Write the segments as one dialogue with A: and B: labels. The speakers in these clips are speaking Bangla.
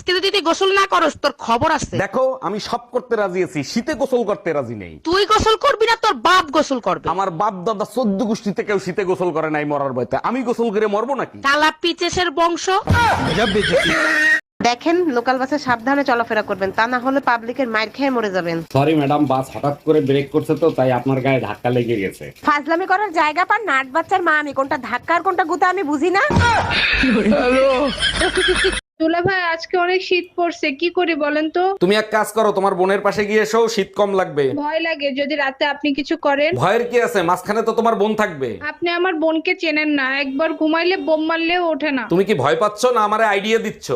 A: আজকে যদি তুই গোসল না করস তোর খবর আছে।
B: দেখো আমি সব করতে রাজি আছি, শীতে গোসল করতে রাজি নেই।
A: তুই গোসল করবি না তোর বাপ গোসল করবে।
B: আমার বাপ দাদা 14 গোষ্ঠীতে কেউ শীতে গোসল করে নাই মরার ভয়তে, আমি গোসল করে মরবো নাকি?
A: কালা পিচেসের বংশ।
C: দেখেন লোকাল বাসে সাবধানে চলাফেরা করবেন, তা না হলে পাবলিকের মাইর খেয়ে মরে যাবেন।
B: সরি ম্যাডাম, বাস হঠাৎ করে ব্রেক করছে তো তাই আপনার গায়ে ধাক্কা লেগে গেছে।
C: ফাজলামি করার জায়গা পান নাট বাচ্চার মা আমি, কোনটা ধাক্কা আর কোনটা গুতা আমি বুঝি না।
D: দুলা ভাই আজকে অনেক শীত পড়ছে, কি করি বলেন তো?
B: তুমি এক কাজ করো, তোমার বোনের পাশে গিয়ে এসো, শীত কম লাগবে।
D: ভয় লাগে যদি রাতে আপনি কিছু করেন।
B: ভয়ের কি আছে, মাঝখানে তো তোমার বোন থাকবে।
D: আপনি আমার বোনকে চেনেন না, একবার ঘুমাইলে বোম মারলেও ওঠে না।
B: তুমি কি ভয় পাচ্ছ না আমারে আইডিয়া দিচ্ছ?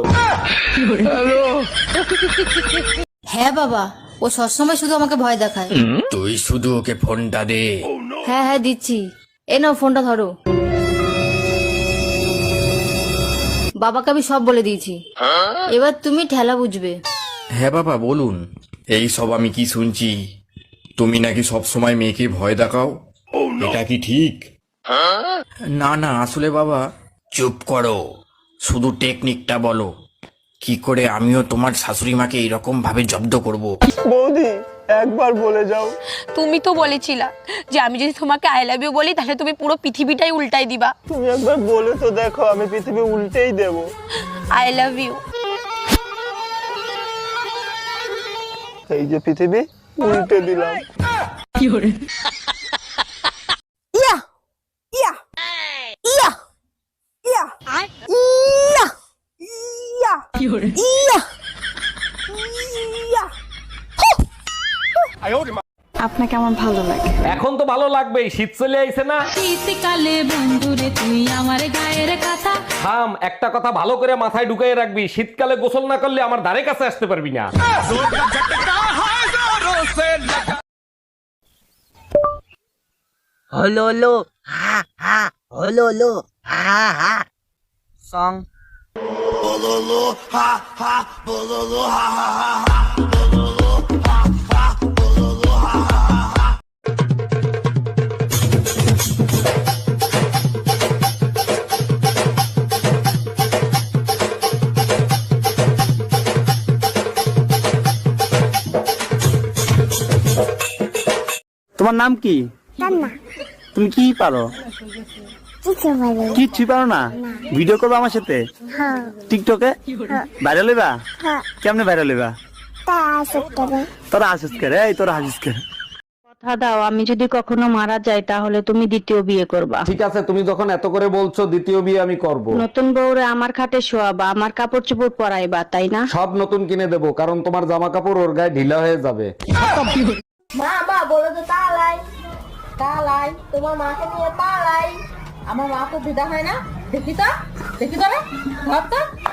E: হ্যাঁ বাবা, ও সবসময় শুধু আমাকে ভয় দেখায়।
F: তুই শুধু ওকে ফোনটা দে।
E: হ্যাঁ হ্যাঁ দিচ্ছি, এ নাও ফোনটা ধরো। বাবাকে আমি সব বলে দিয়েছি, এবার তুমি ঠেলা বুঝবে।
F: হ্যাঁ বাবা বলুন। এই সব আমি কি শুনছি, তুমি নাকি সব সময় মেয়েকে ভয় দেখাও, এটা কি ঠিক? না না আসলে বাবা। চুপ করো, শুধু টেকনিকটা বলো, কি করে আমিও তোমার শাশুড়ি মাকে এইরকম ভাবে জব্দ করব।
G: বৌদি একবার বলে যাও।
H: তুমি তো বলেছিলা যে আমি যদি তোমাকে আই লাভ ইউ বলি তাহলে তুমি পুরো পৃথিবীটাই উল্টাই দিবা।
G: তুমি একবার বলে তো দেখো, আমি পৃথিবী উল্টেই দেব।
H: I love you.
G: এই যে পৃথিবী উল্টে দিলাম।
C: ইয়া ইয়া ইয়া ইয়া ইয়া ইয়া ইয়া ইয়া।
D: আপনাকে আমার ভালো লাগে।
B: এখন তো ভালো লাগবেই, শীত চলে আইছে না।
E: শীতকালে বন্ধুরে তুই আমার গায়ের কথা।
B: থাম, একটা কথা ভালো করে মাথায় ঢুকাই রাখবি, শীতকালে গোসল না করলে আমার ধারে কাছে আসতে পারবি না।
I: হলো লো হা হা হলো লো হা হা সং
G: তোমার নাম কি? তুমি কি পারো? কিচ্ছু পারো না? ভিডিও করবো আমার সাথে টিকটকে? ভাইরাল হইবা? কেমনে ভাইরাল হইবা? তোরা হাসিস করে, এই তোরা হাসিস করে।
D: কথা দাও, আমি যদি কখনো মারা যাই তাহলে তুমি দ্বিতীয় বিয়ে করবা।
B: ঠিক আছে, তুমি যখন এত করে বলছো দ্বিতীয় বিয়ে আমি করব।
D: নতুন বউরে আমার খাটে শোয়াবা, আমার কাপড় চোপড় পরাইবা, তাই না?
B: সব নতুন কিনে দেবো, কারণ তোমার জামা কাপড় ওর গায়ে ঢিলা হয়ে যাবে।
C: মা মা বলে তো তালাই তালাই, তোমার মাকে নিয়ে তালাই। আমার মা তো দিদা হয় না, দেখি তো রে ভাবটা।